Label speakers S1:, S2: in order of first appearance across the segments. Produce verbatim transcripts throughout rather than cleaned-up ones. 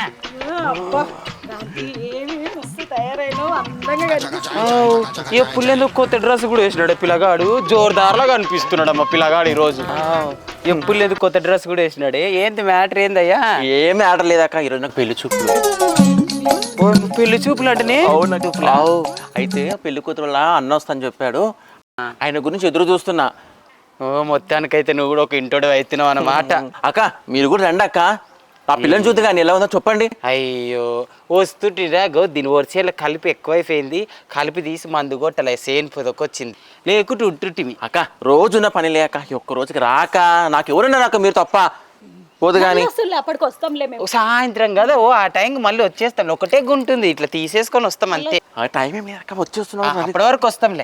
S1: ఎప్పుడు కొత్త డ్రెస్ కూడా వేసినాడు పిల్లగాడు, జోరుదారులా కనిపిస్తున్నాడు అమ్మ పిల్లగాడు ఈ రోజు. ఎప్పుడు లేదు కొత్త డ్రెస్ కూడా వేసినాడు. ఏంటి మ్యాటర్ ఏందయ్యా?
S2: ఏం మ్యాటర్ లేదక్క, ఈరోజు నాకు పెళ్లి చూపులు.
S1: పెళ్లి చూపులు అంటే
S2: అయితే పెళ్లి కూతురు అన్న వస్తాను చెప్పాడు, ఆయన గురించి ఎదురు చూస్తున్నా.
S1: ఓ మొత్తానికైతే నువ్వు కూడా ఒక ఇంటోడు అవుతున్నావు అన్నమాట.
S2: అక్క మీరు కూడా రండి అక్క, ఆ పిల్లని చూద్దు కానీ ఎలా ఉందో చెప్పండి.
S1: అయ్యో వస్తుంటిరా గో దీని వరిసేలా కలిపి ఎక్కువైపోయింది, కలిపి తీసి మందు కొట్టలే సేన్ పొదకొచ్చింది, లేకుంటే ఉంటుంటివి.
S2: అక్క రోజున్న పని లేక ఒక్క రోజుకి రాక నాకు ఎవరున్నారు అక్క, మీరు తప్ప పోదు కానీ.
S1: సాయంత్రం కదా ఓ ఆ టైంకి మళ్ళీ వచ్చేస్తాం, ఒకటే గుంటుంది ఇట్లా తీసేసుకొని వస్తాం అంతే.
S2: ఆ టైం ఏమి అక్క వచ్చేస్తున్నాం,
S1: అప్పటి వరకు వస్తాంలే.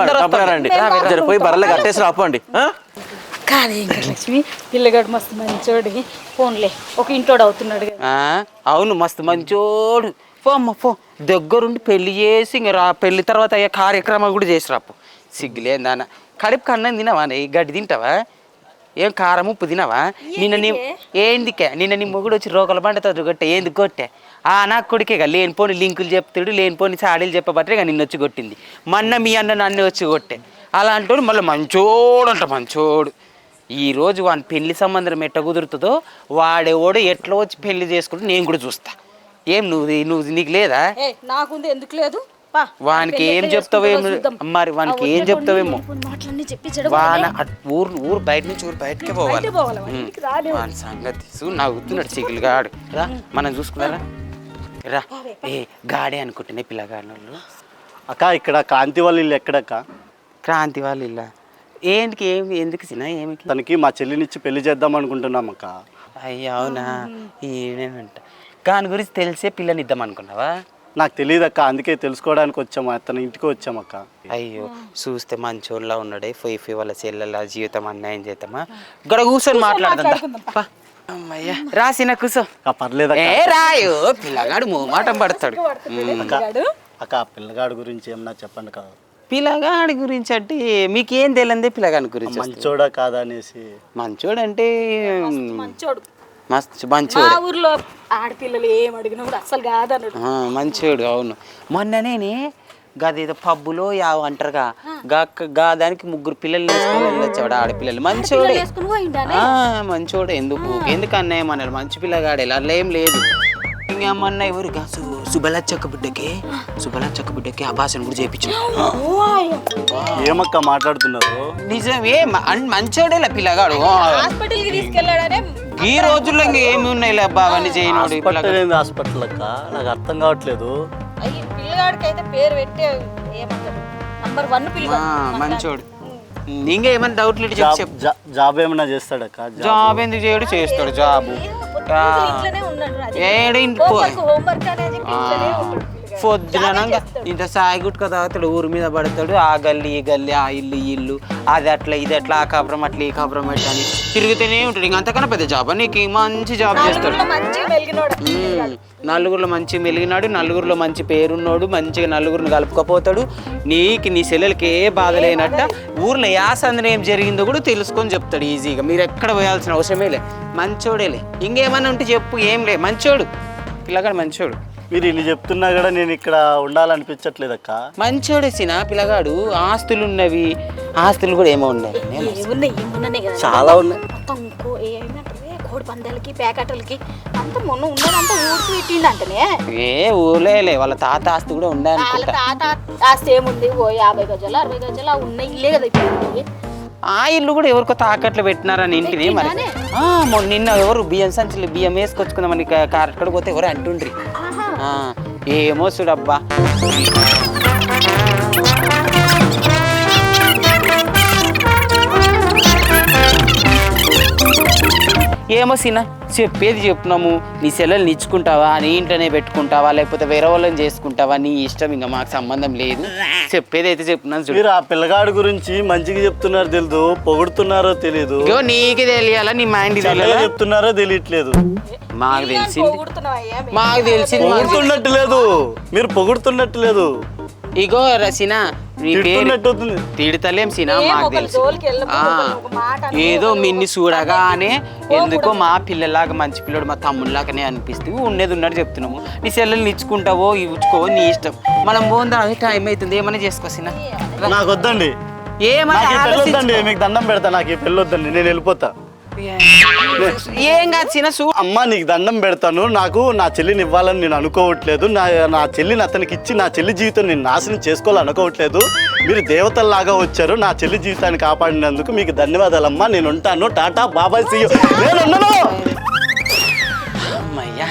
S2: రండి పోయి బర్రెలు కట్టేసి రాపండి.
S3: కానీ ఇంకా లక్ష్మి పిల్లగాడు మస్తు మంచోడి, ఫోన్లే ఒక ఇంటోడు అవుతున్నాడు.
S1: అవును మస్తు మంచోడు. పో అమ్మ పో, దగ్గరుండి పెళ్లి చేసి ఇంక రా, పెళ్లి తర్వాత అయ్యే కార్యక్రమాలు కూడా చేసి రాపు. సిగ్గులేందాన కడుపు కన్నం తినవా, ఈ గడ్డి తింటావా, ఏం కారం ఉప్పు తినవా? నిన్న నీ ఏందికే నిన్న నీ మొగుడు వచ్చి రోకల పండుతుంది కొట్టే, ఏంది కొట్టే? ఆ నాకు కొడుకేగా లేనిపోని లింకులు చెప్తాడు, లేనిపోని సాడీలు చెప్పబట్టే ఇక నిన్న వచ్చి కొట్టింది. మొన్న మీ అన్న నన్ను వచ్చి కొట్టే. అలాంటి మళ్ళీ మంచోడు అంట మంచోడు. ఈరోజు వాని పెళ్లి సంబంధం ఎట్ట కుదురుతుందో, వాడెవడు ఎట్లా వచ్చి పెళ్లి చేసుకుంటే నేను కూడా చూస్తా. ఏం నువ్వు నువ్వు నీకు లేదా?
S3: నాకుంది ఎందుకు లేదు,
S1: వానికి ఏం చెప్తావేమో మరి, వానికి ఏం చెప్తావేమో. వాన ఊరు ఊరు బయట నుంచి ఊరు బయటకే పోవాలి. వాని సంగతి నవ్వుతున్నాడు చిగులుగాడు. రా మనం చూసుకున్నారా రా. ఏ గాడే అనుకుంటున్నా పిల్లగాడి వాళ్ళు.
S4: అక్క ఇక్కడ కాంతి వాళ్ళ ఇల్లు ఎక్కడక్క?
S1: క్రాంతి వాళ్ళ ఇల్లా? ఏంటికి ఏమి ఎందుకు సినా ఏమి?
S4: తనకి మా చెల్లినిచ్చి పెళ్లి చేద్దాం అనుకుంటున్నాం అక్క.
S1: అయ్యా అవునా? ఏనేనంట దాని గురించి తెలిసే పిల్లని ఇద్దాం అనుకున్నావా?
S4: నాకు తెలియదు అక్క, అందుకే తెలుసుకోవడానికి వచ్చాము, తన ఇంటికి వచ్చామక్క.
S1: అయ్యో చూస్తే మంచోళ్ళ ఉన్నాడే, ఫోయి ఫోయి వాళ్ళ చెల్లెల జీవితం అన్యాయం చేద్దామా? గడ కూర్చొని మాట్లాడదా. అమ్మయ్యా రాసిన కూర్చో.
S4: పర్లేదు
S1: ఏ రాయో పిల్లగాడు మోమాటం పడతాడు.
S4: అక్క పిల్లగాడు గురించి ఏమన్నా చెప్పండి కదా.
S1: పిల్లగాడి గురించి అంటే మీకేం తెలియదే పిల్లగాడి గురించి.
S4: మంచోడా కాదా అనేసి.
S1: మంచోడు అంటే
S3: మంచోడు
S1: మస్తు మంచోడు.
S3: ఊర్లో ఆడపిల్లలు ఏం అడిగినా కూడా అసలు కాదన్నాడు.
S1: మంచోడు అవును. మొన్ననే గదేదో పబ్బులో యావ అంటారుగా గా దానికి ముగ్గురు పిల్లలు వేసుకొని వెళ్ళొచ్చాడు ఆడపిల్లలు. మంచోడే మంచోడే. ఎందుకు ఎందుకు అన్నయ్య అన్నాడు, మంచి పిల్లగాడు ఇలా ఏం లేదు. ఇంకేమన్నా ఎవరు సుబలచ్చక్క బిడ్డకి సుబలచ్చక్క బిడ్డకి అభాషణ కూడా చేయించాడు.
S4: ఏమక్క మాట్లాడుతున్నారు?
S1: నిజమే మంచోడేలా పిల్లగాడు. ఈ రోజుల్లో ఇంకా ఏమి ఉన్నాయి అబ్బా అవన్నీ చేయనోడు.
S4: హాస్పిటల్ అక్క నాకు అర్థం కావట్లేదు.
S1: మంచోడు. ఇంకా ఏమైనా డౌట్లు
S4: జాబ్ ఏమైనా చేస్తాడక్క?
S1: జాబ్ ఎందుకు చేయడు, చేస్తాడు జాబు. పొద్దున ఇంత సాయి గుట్క తాగుతాడు, ఊరి మీద పడతాడు. ఆ గల్లి ఈ గల్లి, ఆ ఇల్లు ఈ ఇల్లు, అది అట్లా ఇది అట్లా, ఆ కాపురం అట్లా ఈ కాపురం అట్లా అని తిరుగుతూనే ఉంటాడు. ఇంక అంతకన్నా పెద్ద జాబ్ నీకు మంచి జాబ్ చేస్తాడు. నలుగురిలో మంచి మెలిగినాడు, నలుగురిలో మంచి పేరున్నాడు, మంచిగా నలుగురిని కలుపుకపోతాడు. నీకు నీ సెల్లెలకి ఏ బాధ లేనట్ట ఊర్లో యాసందన ఏం జరిగిందో కూడా తెలుసుకొని చెప్తాడు ఈజీగా. మీరు ఎక్కడ పోయాల్సిన అవసరమే లే, మంచోడేలే. ఇంకేమన్నా ఉంటే చెప్పు, ఏం లే మంచోడు పిల్లగాడు మంచోడు.
S4: మీరు ఇల్లు చెప్తున్నా కూడా నేను ఇక్కడ ఉండాలనిపించట్లేదు అక్క.
S1: మంచోడే సినా పిల్లగాడు. ఆస్తులు ఉన్నవి, ఆస్తులు కూడా ఏమో ఉన్నాయి, చాలా ఉన్నాయి.
S3: కోడి పందాలకి ప్యాకెట్లకి అంత మొన్న ఉన్నదంతా ఊడ్చి పెట్టిండంటనే.
S1: ఏ ఊర్లే వాళ్ళ తాత ఆస్తి కూడా ఉండే.
S3: వాళ్ళ తాత ఆస్తి ఏముంది, ఓ యాభై గజాలు అరవై గజాలు ఉన్నాయి ఇల్లే కదా ఇప్పుడు.
S1: ఆ ఇల్లు కూడా ఎవరికో తాకట్లు పెట్టినారని ఇంటిది. మరి నిన్న ఎవరు బియ్యం సంచులు బియ్యం వేసుకొచ్చుకుందామని కారక్కడ పోతే ఎవరు అంటుండ్రి. ఏమో చూడబ్బా. ఏమో సినా చెప్పేది చెప్తున్నాము. నీ సెలవులు ఇచ్చుకుంటావా, నీ ఇంట్లోనే పెట్టుకుంటావా, లేకపోతే వేరే వాళ్ళని చేసుకుంటావా, నీ ఇష్టం. ఇంకా మాకు సంబంధం లేదు, చెప్పేది అయితే చెప్తున్నాను.
S4: మీరు ఆ పిల్లగాడు గురించి మంచిగా చెప్తున్నారు తెలీదు, పొగుడుతున్నారో తెలీదు.
S1: నీకు తెలియాలా, నీ మైండ్
S4: చెప్తున్నారో తెలియట్లేదు.
S1: మాకు తెలిసింది మాకు తెలిసింది
S4: పొగుడుతున్నట్టు లేదు, మీరు పొగుడుతున్నట్టు లేదు.
S1: ఇగో రసీనా నీ పేరు
S4: తిడుతున్నట్టుంది.
S1: తిడతలేం సీనా
S3: ఏం
S1: మాకు
S3: ఒకరి
S1: తెలుసు
S3: జోలికి వెళ్ళకు,
S1: ఆ,
S3: ఒకరి ఒక మాట అనకు,
S1: ఏదో
S3: ఒకరి
S1: మిన్ని
S3: ఒక
S1: చూడగానే ఎందుకో మా పిల్లలాగా మంచి పిల్లడు మా తమ్ముళ్ళలాగానే అనిపిస్తుంది ఉన్నది ఉన్నట్టు చెప్తున్నాము నీ సెల్లెల్ని ఇచ్చుకుంటావో ఇచ్చుకోవో నీ ఇష్టం మనం పోందా అదే టైం అవుతుంది ఏమైనా చేసుకోసినా
S4: నాకు వద్దండి,
S1: ఏమైనా
S4: నాకు ఈ పెళ్ళి
S1: ఆలోచించు.
S4: వద్దండి, మీకు దండం పెడతా, నాకు ఈ పెళ్ళి వద్దండి, నేను వెళ్ళిపోతా.
S1: ఏం కాదు చిన్న సూ
S4: అమ్మ నీకు దండం పెడతాను, నాకు నా చెల్లిని ఇవ్వాలని నేను అనుకోవట్లేదు, నా నా చెల్లిని అతనికి ఇచ్చి నా చెల్లి జీవితం నేను నాశనం చేసుకోవాలని అనుకోవట్లేదు. మీరు దేవతల్లాగా వచ్చారు, నా చెల్లి జీవితాన్ని కాపాడినందుకు మీకు ధన్యవాదాలమ్మా, నేను ఉంటాను, టాటా బాబాయ్ సీ యూ. నేను ఉన్నాను.
S1: అమ్మయ్యా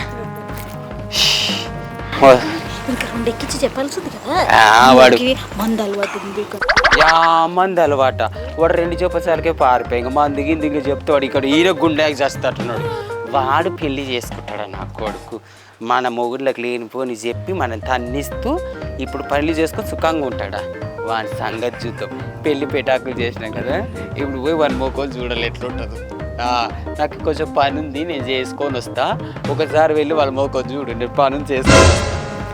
S3: ఇంకా రెండు ఎక్కించి చెప్పాల్సింది కదా
S1: ఆ, వాడు
S3: మనకి మందు అలవాటు ఉంది.
S1: యా మంది అలవాట వాడు రెండు చెప్పసారికే పారిపోయి ఇంకా మంది గింది ఇంకా చెప్తే వాడు ఇక్కడ ఈయన గుండెకి చేస్తాడున్నాడు. వాడు పెళ్లి చేసుకుంటాడు నా కొడుకు. మన మొగుళ్ళకి లేనిపోని చెప్పి మనం తన్నిస్తూ ఇప్పుడు పెళ్లి చేసుకొని సుఖంగా ఉంటాడా. వాడి సంగతి చూద్దాం. పెళ్లి పెటాకులు చేసినాం కదా, ఇప్పుడు పోయి వాడి మొక్కలు చూడాలి ఎట్లుంటుందో. నాకు కొంచెం పని ఉంది, నేను చేసుకొని వస్తా. ఒకసారి వెళ్ళి వాళ్ళ మొక్కలు చూడు, నేను పనులు చేసుకొని వస్తా.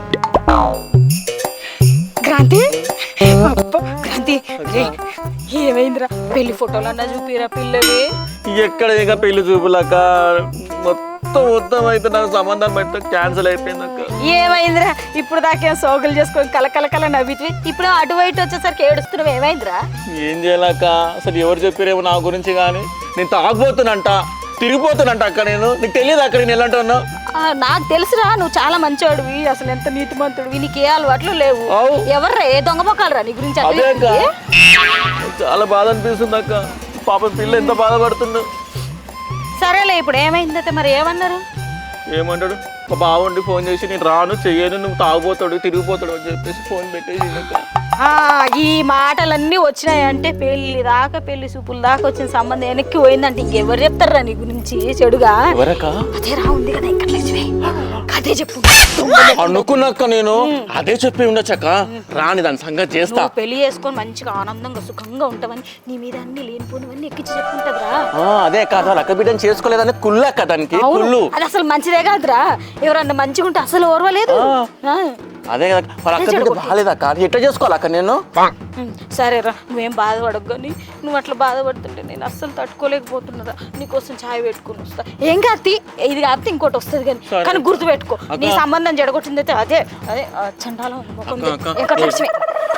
S3: క్రాంతి అబ్బా, క్రాంతి రే, ఏమైందిరా పెళ్లి ఫోటోలు అన్నా చూపిరా పిల్లవి.
S2: ఎక్కడ ఇక పెళ్లి చూపులక్క మొత్తం మొత్తం అయితే నాకు సంబంధం పెడితే క్యాన్సిల్ అయిపోయింది అక్క.
S3: ఏమైందిరా ఇప్పుడు దాకా సోగులు చేసుకొని కలకలకల నవ్వితే ఇప్పుడు అటు బయట వచ్చేసరికి ఏడుస్తున్నావు. ఏమైందిరా?
S2: ఏం చేయాలక్క, అసలు ఎవరు చెప్పారేమో నా గురించి కానీ నేను తాగబోతున్నంట, తిరిగిపోతున్నంట అక్క. నేను నీకు తెలియదు అక్క నేను ఎలా అంటున్నా.
S3: ఆ, నాకు తెలుసురా నువ్వు చాలా మంచివాడివి, అసలు ఎంత నీతిమంతుడివి, నీకు ఏ అలవాట్లు లేవు.
S2: అవు.
S3: ఎవర్రా ఏ దొంగ మొక్కలరా నీ గురించి
S2: అదే అక్క,
S3: అట్లా?
S2: చాలా బాధ అనిపిస్తుంది అక్క. పాప పిల్ల ఎంత బాధపడుతుందో.
S3: సరేలే ఇప్పుడు ఏమైందైతే మరి ఏమన్నారు?
S2: ఏమంటాడు మా బావుండి ఫోన్ చేసి నేను రాను చెయ్యను, నువ్వు తాగుపోతాడు తిరిగిపోతాడు అని చెప్పేసి ఫోన్ పెట్టేసి అక్క.
S3: ఆ, ఈ మాటలన్నీ వచ్చినాయంటే పెళ్లి దాకా పెళ్లి చూపుల దాకా వచ్చిన సంబంధం వెనక్కి పోయిందంటే ఇంకెవరు చెప్తారా నీ గురించి చెడుగా?
S2: ఎవరక్క?
S3: అదే రా ఉంది కదా ఇక్కడ లక్ష్మి, అదే చెప్పు.
S2: అనుకున్నాక నేను అదే చెప్పి ఉండొచ్చక్క. రాని దాని సంగతి చేస్తా.
S3: నువ్వు పెళ్లి చేసుకొని మంచిగా ఆనందంగా సుఖంగా ఉంటావని నీ మీద అన్ని లేనిపోనివన్నీ ఎక్కించి చెప్పుకుంటదిరా.
S2: ఆ, అదే కాదు లక్క బిడ్డని చేసుకోలేదని కుళ్ళు అక్క దానికి కుళ్ళు.
S3: అది అసలు మంచిదే కాదురా, ఎవరన్నా మంచిగా ఉంటే అసలు ఓర్వలేదు. ఆ.
S2: అదే కదా వాళ్ళ అక్క బిడ్డ బాగాలేదక్క, ఎట్లా చేసుకోవాలక్క నేను?
S3: ఉమ్, సరేరా నువ్వేం బాధపడకు, కానీ నువ్వు అట్లా బాధపడుతుంటే నేను అస్సలు తట్టుకోలేకపోతున్నారా. నీకోసం ఛాయ్ పెట్టుకుని వస్తా. ఏం కాదు, ఇది కాదు ఇంకోటి వస్తుంది కానీ కానీ గుర్తు పెట్టుకో, నీ సంబంధం జడగొట్టింది అయితే అదే అదే చండాలం ముఖం వెంకటలక్ష్మి.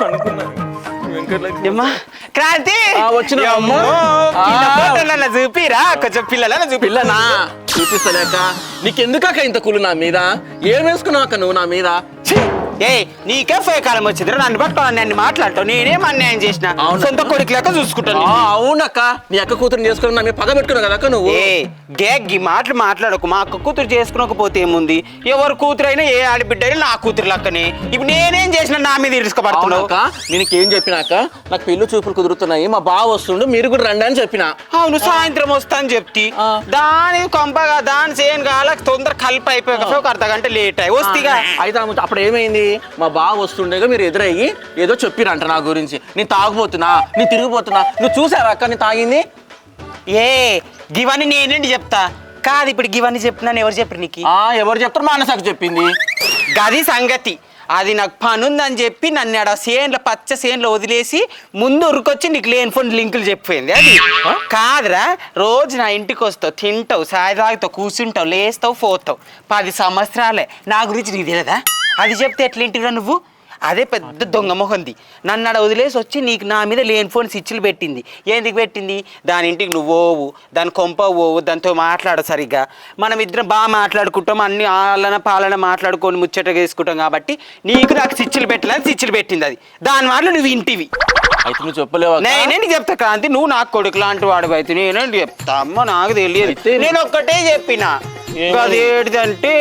S1: ఏమ్మా, క్రాంతి
S2: ఆ, వచ్చిన
S1: అమ్మో,
S2: ఆ.
S1: చిన్న ఫోటోలన్నా చూపిరా కొంచెం పిల్లలన్నా చూపి.
S2: పిల్లనా చూపిస్తలేక నీకెందుకక్క ఇంత కుళ్ళు నా మీద? ఏం వేసుకున్నావు అక్క నువ్వు నా మీద?
S1: ఏ నీకే పోయే కాలం వచ్చింది, నన్ను పట్టుకోవాలి, నన్ను మాట్లాడతావు. నేనేం అన్యాయం చేసిన?
S2: అవునా?
S1: సొంత కొడుకు లెక్క చూసుకుంటాను.
S2: ఆ, అవునక్క, నీ అక్క కూతురు చేసుకుని నా మీద పగ పెట్టుకున్నావు కదా అక్క నువ్వు.
S1: ఏ గేగ్గి మాటలు మాట్లాడకు. మా అక్క కూతురు చేసుకోకపోతే ఏముంది? ఎవరు కూతురు అయినా ఏ ఆడబిడ్డ అయినా నా కూతురు లక్కనే. ఇప్పుడు నేనేం చేసిన నా మీద ఇరుసుకోబడుతున్నావు?
S2: నేను ఏం చెప్పినాక నాకు పెళ్లి చూపులు కుదురుతున్నాయి, మా బావ వస్తుండు, మీరు కూడా రండి అని చెప్పిన.
S1: అవును, సాయంత్రం వస్తా అని చెప్తి. దాని కొంపగా దాని చేయను కాల తొందర కలిపి అయిపోయాక ఒక అర్ధ గంట లేట్ అయ్యి వస్తిగా.
S2: అయితే అప్పుడు ఏమైంది, మా బావ వస్తుండేగా మీరు ఎదురయ్యి ఏదో చెప్పిరంట నా గురించి. నేను తాగుపోతున్నా, నేను తిరిగిపోతున్నా. నువ్వు చూసావా అక్క నేను తాగింది?
S1: ఏ గివన్నీ నేనేంటి చెప్తా కాదు. ఇప్పుడు గివన్నీ చెప్పినాను ఎవరు చెప్పరు నీకు?
S2: ఆ, ఎవరు చెప్తారు? మా అన్నసాకు చెప్పింది.
S1: గది సంగతి. అది నాకు పని ఉందని చెప్పి నన్ను ఆడ సేన్లో పచ్చ సేన్లో వదిలేసి ముందు ఉరికొచ్చి నీకు లేని ఫోన్ లింకులు చెప్పిపోయింది. అది కాదురా, రోజు నా ఇంటికి వస్తావు, తింటావు, సాయి తాగుతావు, కూర్చుంటావు, లేస్తావు, పోతావు. పది సంవత్సరాలే నా గురించి నీకు తెలియదా? అది చెప్తే ఎట్లేంటిరా నువ్వు? అదే పెద్ద దొంగ మొహంది. నన్ను ఆడ వదిలేసి వచ్చి నీకు నా మీద లేని ఫోన్ స్విచ్లు పెట్టింది. ఎందుకు పెట్టింది? దాని ఇంటికి నువ్వు పోవు, దాని కొంప పోవు, దాంతో మాట్లాడు సరిగ్గా. మనం ఇద్దరం బాగా మాట్లాడుకుంటాం, అన్ని ఆలన పాలన మాట్లాడుకొని ముచ్చటగా వేసుకుంటాం కాబట్టి నీకు నాకు స్విచ్లు పెట్టాలని స్విచ్లు పెట్టింది. అది దాని వల్ల నువ్వు ఇంటివి.
S2: అయితే నువ్వు చెప్పలేవు.
S1: నేనేంటి చెప్తా క్రాంతి, నువ్వు నాకు కొడుకు లాంటి వాడు అయితే నేనేంటి చెప్తా? అమ్మ నాకు తెలియదు. నేను ఒక్కటే చెప్పిన, అదేంటిదంటే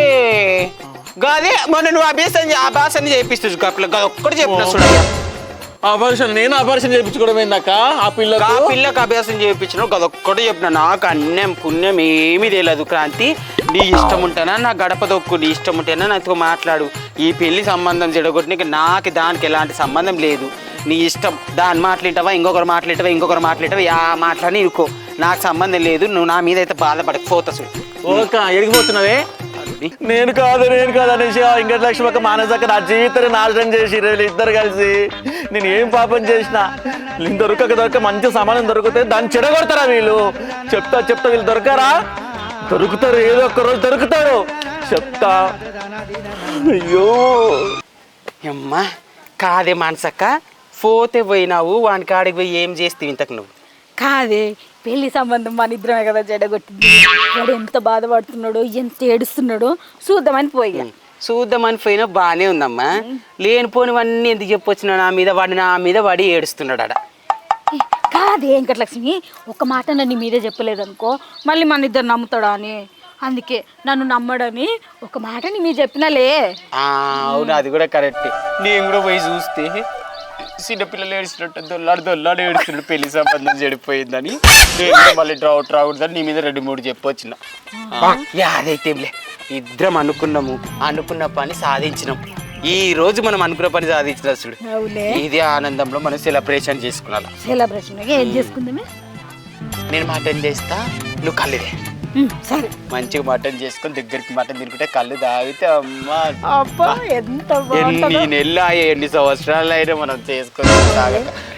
S1: గదే మొన్న నువ్వు అభ్యాసం అభ్యాసం చేపిస్తుంది ఒక్కటి చెప్పిన చూడయ్యా.
S2: ఆపరేషన్ నేను ఆపరేషన్ చేయించుకోవడం ఏందక్క? ఆ పిల్ల
S1: ఆ పిల్లకి అభ్యాసం చేయించిన గదొక్కటి చెప్పిన. నాకు అన్యం పుణ్యం ఏమీ తెలియదు క్రాంతి. నీ ఇష్టం ఉంటేనా నా గడప దొక్కు, నీ ఇష్టం ఉంటేనా నాతో మాట్లాడు. ఈ పెళ్లి సంబంధం చెడగొట్టిన నాకు దానికి ఎలాంటి సంబంధం లేదు. నీ ఇష్టం. దాని మాట్లాడవా, ఇంకొకరు మాట్లాడవా, ఇంకొకరు మాట్లాడవా, యా మాట్లాడి ఇరుకో, నాకు సంబంధం లేదు. నువ్వు నా మీద అయితే బాధపడకపోతా చూడు.
S2: ఓక ఎడిగిపోతున్నావే?
S1: చూడండి.
S2: నేను కాదు నేను కాదు అనేసి ఆ వెంకటలక్ష్మి మానసక్క నా జీవితాన్ని నాశనం చేసి వీళ్ళు ఇద్దరు కలిసి నేను ఏం పాపం చేసిన వీళ్ళు దొరకక దొరక మంచి సమానం దొరికితే దాన్ని చెడగొడతారా వీళ్ళు? చెప్తా చెప్తా వీళ్ళు దొరకరా? దొరుకుతారు, ఏదో ఒక్క రోజు దొరుకుతారు చెప్తా. అయ్యో
S1: అమ్మా కాదే మానసక్క, పోతే పోయినావు వాని కాడికి పోయి ఏం చేస్తావు ఇంతకు నువ్వు?
S3: కాదే పెళ్లి సంబంధం మన ఇద్దరమే కదా చెడగొట్టింది. వాడు ఎంత బాధపడుతున్నాడో ఎంత ఏడుస్తున్నాడో చూద్దామని పోయి
S1: చూద్దామని పోయినా బాగానే ఉందమ్మా. లేనిపోనివన్నీ ఎందుకు చెప్పొచ్చినా నా మీద వాడి నా మీద వాడి ఏడుస్తున్నాడు ఆడ.
S3: కాదే వెంకటలక్ష్మి, ఒక మాట నన్ను మీరే చెప్పలేదనుకో మళ్ళీ మన ఇద్దరు నమ్ముతాడా అని, అందుకే నన్ను నమ్మడని ఒక మాట నీ మీరు చెప్పినాలే.
S1: ఆ, అవును అది కూడా కరెక్ట్. నేను కూడా పోయి చూస్తే చిన్నపిల్లలు ఏడుస్తున్నట్టు దొల్లాడు దొల్లాడు ఏడుస్తున్నాడు పెళ్లి సంబంధం చెడిపోయిందని. నేను కూడా మళ్ళీ డ్రౌట్ రాకూడదని నీ మీద రెండు మూడు చెప్పొచ్చిన. అదైతే ఇద్దరం అనుకున్నాము, అనుకున్న పని సాధించినాం. ఈ రోజు మనం అనుకున్న పని సాధించిన చూడు, ఇదే ఆనందంలో మనం సెలబ్రేషన్ చేసుకున్నాం.
S3: సెలబ్రేషన్ ఏం చేసుకుందామే?
S1: నేను మటన్ చేస్తా, నువ్వు కళ్ళుదే.
S3: సరే
S1: మంచిగా మటన్ చేసుకొని దగ్గరికి మటన్ తినుకుంటే కళ్ళు తాగితే అమ్మా
S3: అబ్బా ఎంత
S1: ఎన్ని నెలలు ఎన్ని సంవత్సరాలు అయినా మనం చేసుకొని తాగక